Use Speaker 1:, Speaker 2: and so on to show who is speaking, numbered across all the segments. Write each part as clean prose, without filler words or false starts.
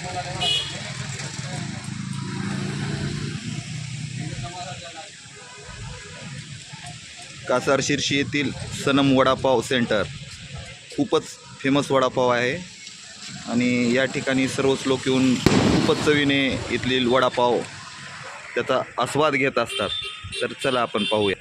Speaker 1: कासार शिर्शी येथील सनम वडापाव सेंटर खूपच फेमस वडापाव आहे आणि या ठिकाणी सर्वच लोक येऊन खूपच चवीने इथली वडापाव त्याचा आस्वाद घेत असतात. तर चला आपण पाहूया.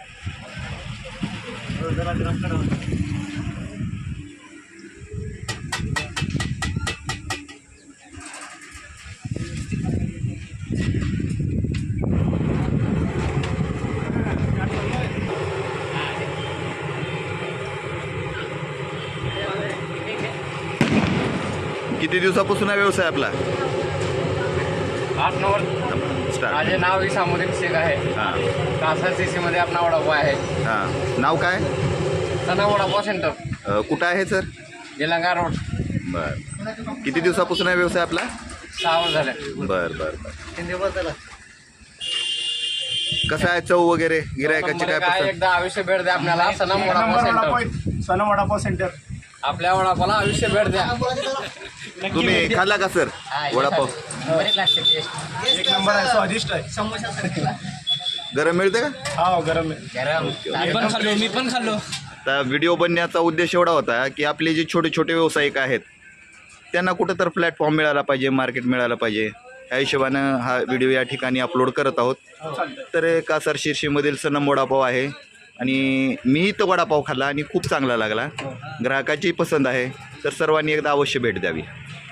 Speaker 1: किती दिवसापासून हा व्यवसाय आपला?
Speaker 2: 8-9 वर्ष.
Speaker 1: स्टार्ट.
Speaker 2: माझे नाव इसामुद्दीन शेख आहे.
Speaker 1: हां
Speaker 2: कासार सीसीमध्ये आपला वडापाव आहे.
Speaker 1: हां. नाव काय?
Speaker 2: सना वडापाव सेंटर,
Speaker 1: कुठं आहे सर?
Speaker 2: निलंगा रोड.
Speaker 1: बरं. किती दिवसापासून हा व्यवसाय आपला?
Speaker 2: 6 वर्ष झाले.
Speaker 1: बरं बरं बरं.
Speaker 2: 3 दिवस झाला.
Speaker 1: कसं आहे चव वगैरे गिरायकाची काय
Speaker 2: काय
Speaker 1: पसंत?
Speaker 2: एकदा आयुष्य भेट द्या आपल्याला. Sanam vada pav centre,
Speaker 3: Sanam vada pav centre.
Speaker 2: आपल्या वडापावला आयुष्य भेट द्या.
Speaker 1: तुम्ही खाल्ला का सर वडापाव?
Speaker 3: एक नंबर आहे, स्वादिष्ट आहे.
Speaker 1: गरम मिळते का?
Speaker 3: हा, गरम आहे.
Speaker 2: गरम. मी पण खाल्लो.
Speaker 1: तर व्हिडिओ बनण्याचा उद्देश एवढा होता की आपले जे छोटे छोटे व्यावसायिक आहेत त्यांना कुठं तर प्लॅटफॉर्म मिळाला पाहिजे, मार्केट मिळालं पाहिजे. ह्या हिशोबानं हा व्हिडिओ या ठिकाणी अपलोड करत आहोत. तर कासार शिर्शीमधील सनम वडापाव आहे आणि मीही तो वडापाव खाल्ला आणि खूप चांगला लागला. ग्राहकाची पसंत आहे. तर सर्वांनी एकदा अवश्य भेट द्यावी.